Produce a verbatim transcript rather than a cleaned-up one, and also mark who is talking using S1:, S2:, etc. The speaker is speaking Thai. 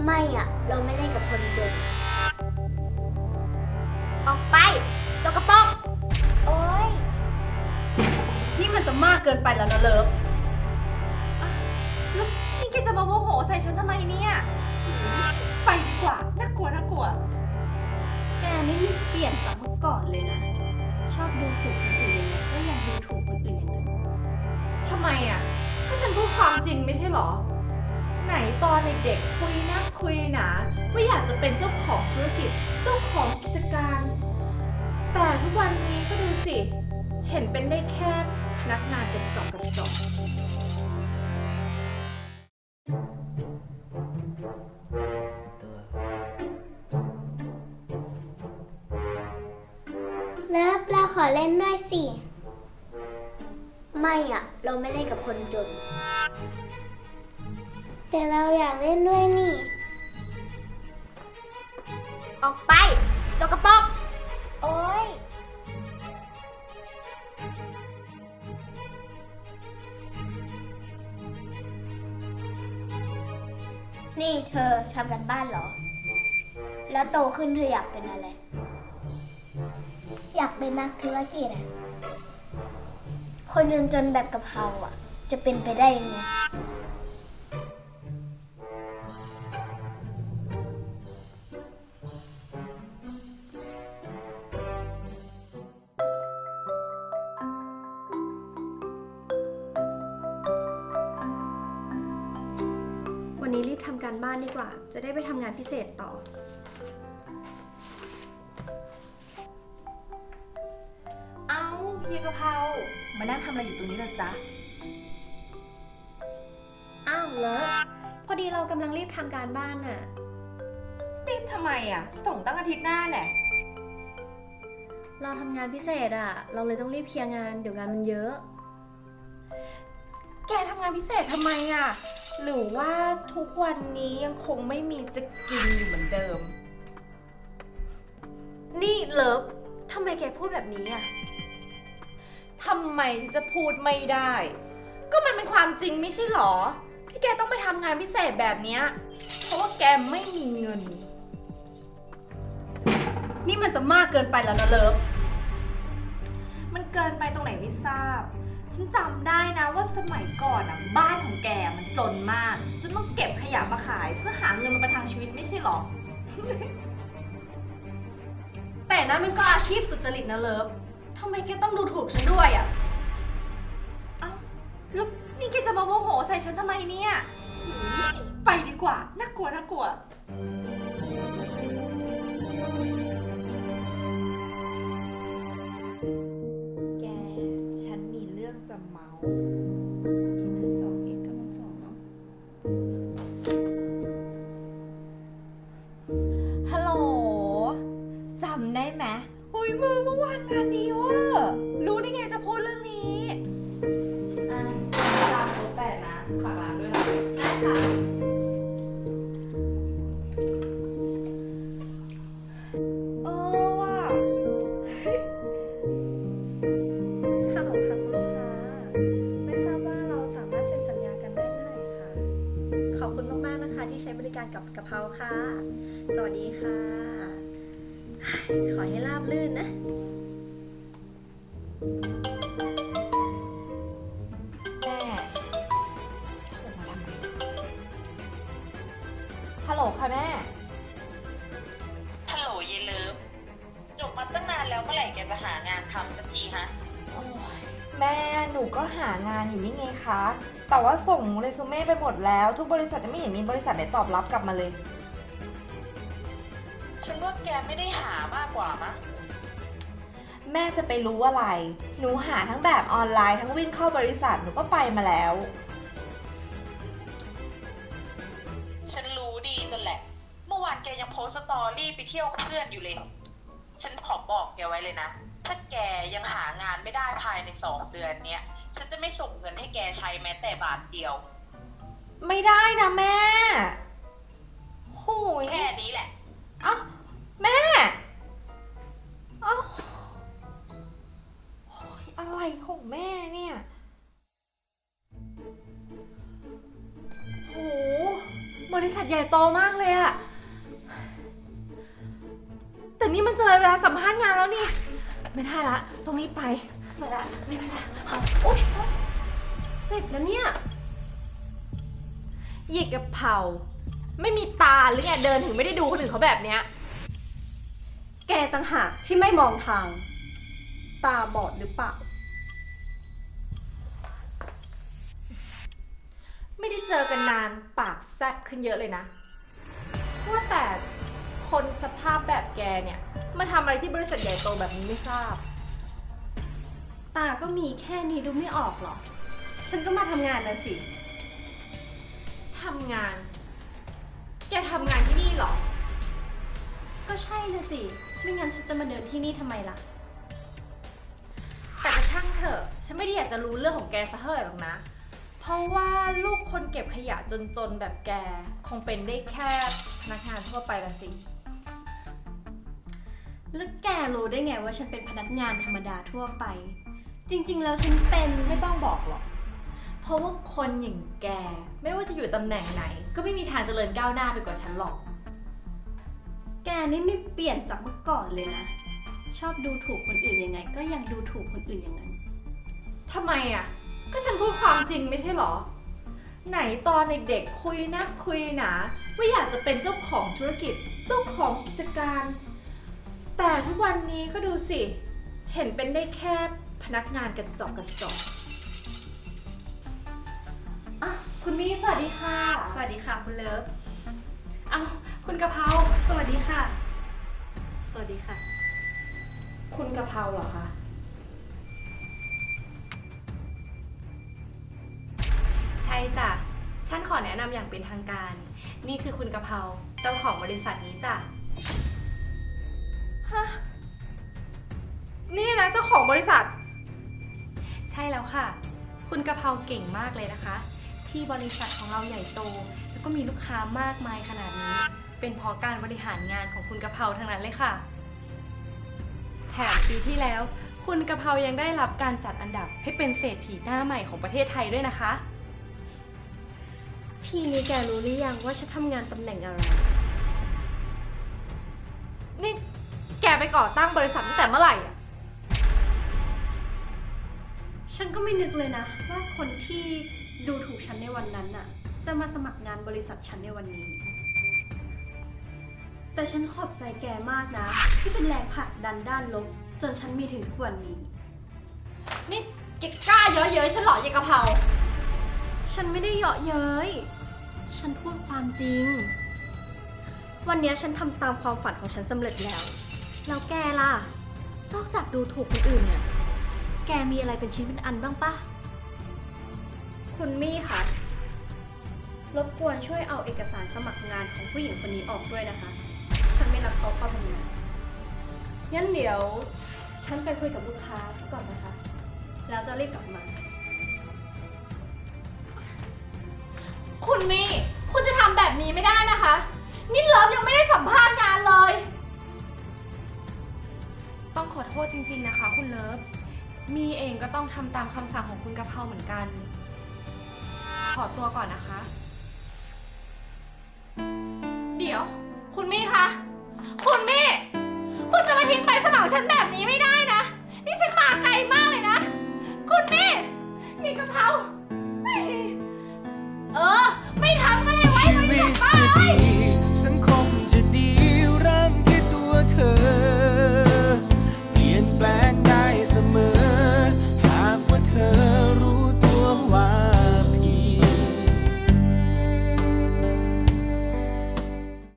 S1: ไม่อะเราไม่เล่นกับคนจนออกไปสกปรกโอ๊ย
S2: นี่มันจะมากเกินไปแล้วนะเลิฟแล้วนี่แกจะมาโมโหใส่ฉันทำไมเนี่ยไปดีกว่าน่ากลัวน่ากลัวแกนี่ไม่เปลี่ยนจากเมื่อก่อนเลยนะชอบดูถูกคนอื่นยังไงก็ยังดูถูกคนอื่นอย่างนั้นทำไมอ่ะก็ฉันพูดความจริงไม่ใช่หรอไหนตอนเด็กๆคุยนักคุยหนาว่าอยากจะเป็นเจ้าของธุรกิจเจ้าของกิจการแต่ทุกวันนี้ก็ดูสิเห็นเป็นได้แค่พนักงานจดจอกกระจอก
S1: เลิฟเราขอเล่นด้วยสิไม่อะเราไม่เล่นกับคนจนแต่เราอยากเล่นด้วยนี่ออกไปสกปรกโอ๊ยนี่เธอทำกันบ้านเหรอแล้วโตขึ้นเธออยากเป็นอะไรอยากเป็นนักธุรกิจอะคนจนๆแบบกะเพราอะจะเป็นไปได้ยังไง
S2: วันนี้รีบทำการบ้านดีกว่าจะได้ไปทำงานพิเศษต่อเอาเฮียกะเพรามานั่งทำอะไรอยู่ตรงนี้ล่ะจ๊ะอ้าวเลิฟพอดีเรากำลังรีบทำการบ้านน่ะรีบทำไมอ่ะส่งตั้งอาทิตย์หน้าแน่เราทำงานพิเศษอ่ะเราเลยต้องรีบเคลียร์งานเดี๋ยวงานมันเยอะแกทำงานพิเศษทำไมอ่ะหรือว่าทุกวันนี้ยังคงไม่มีจะกินอยู่เหมือนเดิมนี่เลิฟทำไมแกพูดแบบนี้อ่ะทำไมฉันจะพูดไม่ได้ก็มันเป็นความจริงไม่ใช่หรอที่แกต้องไปทำงานพิเศษแบบนี้เพราะว่าแกไม่มีเงินนี่มันจะมากเกินไปแล้วนะเลิฟมันเกินไปตรงไหนไม่ทราบฉันจำได้นะว่าสมัยก่อนอ่ะบ้านของแกมันจนมากจนต้องเก็บขยะมาขายเพื่อหาเงินมาประทังชีวิตไม่ใช่หรอ แต่นั้นมันก็อาชีพสุจริตนะเลิฟทำไมแกต้องดูถูกฉันด้วยอ่ะเอ้าแล้วนี่แกจะมาโมโหใส่ฉันทำไมเนี่ยไปดีกว่าน่ากลัวน่ากลัวแกฉันมีเรื่องจะเมาที่หน้าสองเอกกำลังสองเนาะฮัลโหลจำได้ไหมหุยมือเมื่อวานงานดีเว่ะรู้ได้ไงจะพูดเรื่องนี้อ่ะร้านโต๊ะแปดนะฝากร้านด้วยนะได้ค่ะเออว่ะฮัลโหลค่ะคุณลูกค้าไม่ทราบว่าเราสามารถเซ็นสัญญากันได้เมื่อไหร่คะขอบคุณมากๆนะคะที่ใช้บริการกับกะเพราค่ะสวัสดีค่ะขอให้ราบรื่นนะแม่โทรมาทำไมฮัลโหลค่ะแม่
S3: ฮัลโหลเยเลิฟจบมาตั้งนานแล้วเมื่อไหร่แกจะหางานทำสักทีฮะ
S2: โอ้ยแม่หนูก็หางานอยู่นี่ไงคะแต่ว่าส่งเรซูเม่ไปหมดแล้วทุกบริษัทจะไม่เห็นมีบริษัทไหนตอบรับกลับมาเลย
S3: ฉันว่าแกไม่ได้หามากกว่ามั้ง
S2: แม่จะไปรู้อะไร หนูหาทั้งแบบออนไลน์ทั้งวิ่งเข้าบริษัทหนูก็ไปมาแล้ว
S3: ฉันรู้ดีจนแหละเมื่อวานแกยังโพสต์สตอรี่ไปเที่ยวกับเพื่อนอยู่เลยฉันขอบอกแกไว้เลยนะถ้าแกยังหางานไม่ได้ภายในสองเดือนเนี้ยฉันจะไม่ส่งเงินให้แกใช้แม้แต่บาทเดียว
S2: ไม่ได้นะแม่โหย
S3: แค่นี้แหละ
S2: เอ้าแม่เอ้าอะไรของแม่เนี่ยโหบริษัทใใหญ่โตมากเลยอะแต่นี่มันจะเลยเวลาสัมภาษณ์งานแล้วนี่ ไม่ได้ละต้องรีบไปไปละรีบไปละโอ๊ยเจ็บนะเนี่ยหยิกกับเผาไม่มีตาหรือไงเดินถึงไม่ได้ดูคนอื่นเขาแบบเนี้ย
S1: แกต่างหากที่ไม่มองทาง ตาบอดหรือเปล่า
S2: ไม่ได้เจอกันนานปากแซ่บขึ้นเยอะเลยนะว่าแต่คนสภาพแบบแกเนี่ยมาทำอะไรที่บริษัทใหญ่โตแบบนี้ไม่ทราบ
S1: ตาก็มีแค่นี้ดูไม่ออกหรอ ฉันก็มาทำงานนะสิ
S2: ทำงาน แกทำงานที่นี่เหรอ
S1: ก็ใช่นะสิ ไม่งั้นฉันจะมาเดินที่นี่ทำไมล่ะ
S2: แต่ก็ช่างเถอะ ฉันไม่ได้อยากจะรู้เรื่องของแกซะเท่าไหร่หรอกนะ เพราะว่าลูกคนเก็บขยะจนๆแบบแกคงเป็นได้แค่พนักงานทั่วไปละสิ
S1: แล้วแกรู้ได้ไงว่าฉันเป็นพนักงานธรรมดาทั่วไป จริงๆแล้วฉันเป็น
S2: ไม่ต้องบอกหรอก เพราะว่าคนอย่างแกไม่ว่าจะอยู่ตำแหน่งไหน ก็ไม่มีทางเจริญก้าวหน้าไปกว่าฉันหรอก
S1: แกนี่ไม่เปลี่ยนจากเมื่อก่อนเลยนะ ชอบดูถูกคนอื่นยังไง ก็ยังดูถูกคนอื่นอย่างนั้น
S2: ทำไมอ่ะ ก็ฉันพูดความจริงไม่ใช่หรอ ไหนตอนเด็กๆคุยนักคุยหนาว่าอยากจะเป็นเจ้าของธุรกิจ เจ้าของกิจการ แต่ทุกวันนี้ก็ดูสิ เห็นเป็นได้แค่พนักงานกระจอกกระจอกอ่ะคุณมี่สวัสดีค่ะ
S4: สวัสดีค่ะคุณเลิฟ เอาคุณกะเพราสวัสดีค่ะ
S1: สวัสดีค่ะ
S2: คุณกะเพราเหรอคะ
S4: ใช่จ้ะ ฉันขอแนะนำอย่างเป็นทางการ นี่คือคุณกะเพราเจ้าของบริษัทนี้จ้ะ
S2: ฮะ นี่นะเจ้าของบริษัท
S4: ใช่แล้วค่ะ คุณกะเพราเก่งมากเลยนะคะ ที่บริษัทของเราใหญ่โต แล้วก็มีลูกค้ามากมายขนาดนี้ เป็นเพราะการบริหารงานของคุณกะเพราทั้งนั้นเลยค่ะ แถมปีที่แล้ว คุณกะเพรายังได้รับการจัดอันดับให้เป็นเศรษฐีหน้าใหม่ของประเทศไทยด้วยนะคะ
S1: ทีนี้แกรู้หรือยังว่าฉันทำงานตำแหน่งอะไร
S2: นี่แกไปก่อตั้งบริษัทตั้งแต่เมื่อไหร่อะ
S1: ฉันก็ไม่นึกเลยนะ ว่าคนที่ดูถูกฉันในวันนั้นน่ะ จะมาสมัครงานบริษัทฉันในวันนี้ แต่ฉันขอบใจแกมากนะ ที่เป็นแรงผลักดันด้านลบ จนฉันมีถึงทุกวันนี้
S2: นี่แกกล้าเยอะเย้ยฉันเหรอยายกะเพรา
S1: ฉันไม่ได้เยาะเย้ย ฉันพูดความจริง วันนี้ฉันทำตามความฝันของฉันสำเร็จแล้ว แล้วแกล่ะ นอกจากดูถูกคนอื่นเนี่ย แกมีอะไรเป็นชิ้นเป็นอันบ้างปะ คุณมี่คะ รบกวนช่วยเอาเอกสารสมัครงานของผู้หญิงคนนี้ออกด้วยนะคะ ฉันไม่รับเขาเข้าทำงาน งั้นเดี๋ยว ฉันไปคุยกับลูกค้าก่อนนะคะ แล้วจะรีบกลับมา
S2: คุณมี่ คุณจะทำแบบนี้ไม่ได้นะคะ นี่เลิฟยังไม่ได้สัมภาษณ์งานเลย
S4: ต้องขอโทษจริงๆนะคะ คุณเลิฟ มีเองก็ต้องทำตามคำสั่งของคุณกะเพราเหมือนกัน ขอตัวก่อนนะคะ
S2: เดี๋ยว คุณมี่คะ คุณมี่ คุณจะมาทิ้งไปสมัครฉันแบบนี้ไม่ได้นะ นี่ฉันมาไกลมากเลยนะ คุณมี่ยายกะเพราเออ ไม่ทำก็เลยไว้บริษัทป้าเอ้ย